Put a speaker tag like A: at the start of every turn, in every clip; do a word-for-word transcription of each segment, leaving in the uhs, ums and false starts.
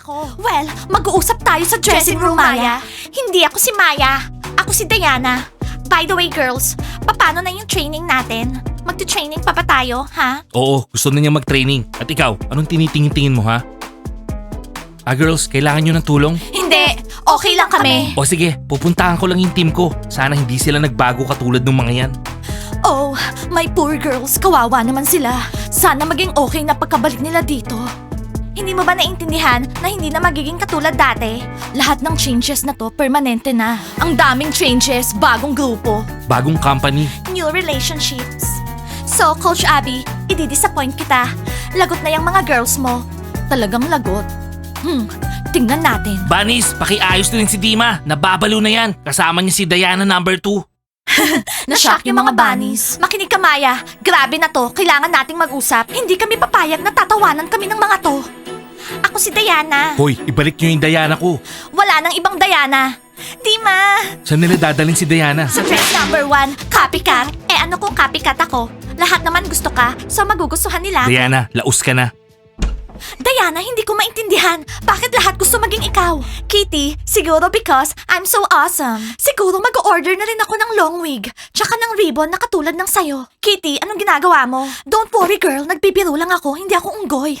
A: ako. Well, mag-uusap tayo sa dressing room, Maya. Hindi ako si Maya. Ako si Diana. By the way, girls, paano na yung training natin? Magti-training pa ba tayo, ha?
B: Oo, gusto na niya mag-training. At ikaw, anong tinitingin-tingin mo ha? Ah girls, kailangan nyo ng tulong?
A: Hindi, okay lang kami.
B: O sige, pupuntahan ko lang yung team ko. Sana hindi sila nagbago katulad ng mga yan.
A: Oh, my poor girls, kawawa naman sila. Sana maging okay na pagkabalik nila dito. Hindi mo ba naintindihan na hindi na magiging katulad dati? Lahat ng changes na to, permanente na. Ang daming changes, bagong grupo,
B: Bagong company.
A: new relationships. So, Coach Abby, i-disappoint kita. Lagot na yung mga girls mo. Talagang lagot. Hmm, tingnan natin.
B: Bunnies, pakiayos na rin si Dima. Nababalo na yan. Kasama niya si Diana number two.
A: Na-shock yung mga bunnies. Makinig ka, Maya. Grabe na to. Kailangan nating mag-usap. Hindi kami papayag na tatawanan kami ng mga to. Ako si Diana.
B: Hoy, ibalik niyo yung Diana ko.
A: Wala nang ibang Diana. Dima!
B: Saan nila dadalhin si Diana?
A: Sa trend number one, copycat. Eh ano kung copycat ako? Lahat naman gusto ka, so magugustuhan nila.
B: Diana, laos ka na.
A: Diana, hindi ko maintindihan. Bakit lahat gusto maging ikaw? Kitty, siguro because I'm so awesome. Siguro mag-order na rin ako ng long wig, tsaka ng ribbon na katulad ng sayo. Kitty, anong ginagawa mo? Don't worry girl, nagbibiro lang ako, hindi ako unggoy.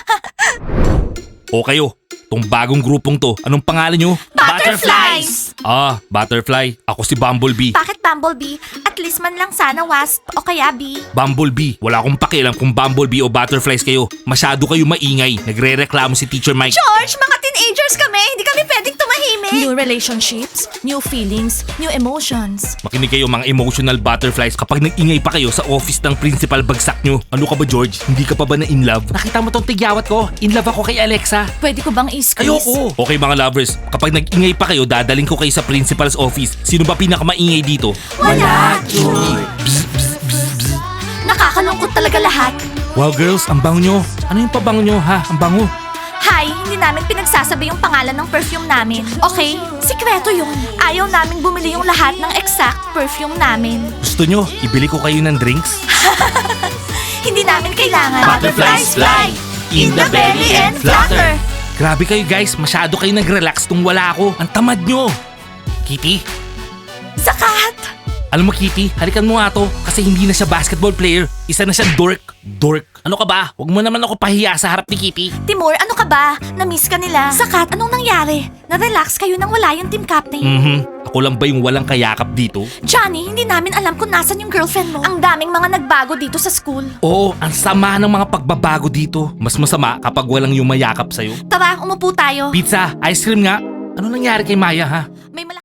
B: O kayo, tong bagong grupong to, anong pangalan nyo?
A: Butterflies!
B: Ah, Butterfly. Ako si Bumblebee.
A: Bakit Bumblebee? At least man lang sana Wasp o kaya Bee.
B: Bumblebee. Wala akong pakialam kung Bumblebee o Butterflies kayo. Masyado kayo maingay. Nagre-reklamo si Teacher Mike.
A: George, mga teenagers kami, hindi kami pwedeng tumahimik. New relationships, new feelings, new emotions.
B: Makinig kayo mga emotional butterflies kapag nag-ingay pa kayo sa office ng principal bagsak nyo. Ano ka ba George? Hindi ka pa ba na in love? Nakita mo tong tigyawat ko? In love ako kay Alexa.
A: Pwede ko bang i-squeeze?
B: Ayoko. Okay mga lovers, kapag nag-ingay pa kayo, dadaling ko kayo sa principal's office. Sino ba pinakamaingay dito?
A: Wala, George. Nakakalungkot talaga lahat.
B: Wow girls, ang bango nyo. Ano yung pabango nyo ha? Ang bango.
A: Hi, hindi namin pinagsasabi yung pangalan ng perfume namin. Okay? Sikreto yun. Ayaw namin bumili yung lahat ng exact perfume namin.
B: Gusto nyo, ibili ko kayo ng drinks?
A: Hindi namin kailangan.
B: Butterflies fly in the belly and flutter. Grabe kayo guys, masyado kayo nag-relax nung wala ako. Ang tamad nyo. Kitty,
A: Zakat!
B: alam mo Kitty, halikan mo nga to kasi hindi na siya basketball player. Isa na siya dork. Dork. Ano ka ba? Huwag mo naman ako pahiya sa harap ni Kitty.
A: Timur, ano ka ba? Na-miss ka nila. Zakat, anong nangyari? Na-relax kayo nang wala yung team captain.
B: Mhm. Ako lang ba yung walang kayakap dito?
A: Johnny, hindi namin alam kung nasan yung girlfriend mo. Ang daming mga nagbago dito sa school.
B: Oo, ang sama ng mga pagbabago dito. Mas masama kapag walang yung mayakap sa'yo.
A: Tara, umupo tayo.
B: Pizza, ice cream nga. Ano nangyari kay Maya ha?
A: May malaki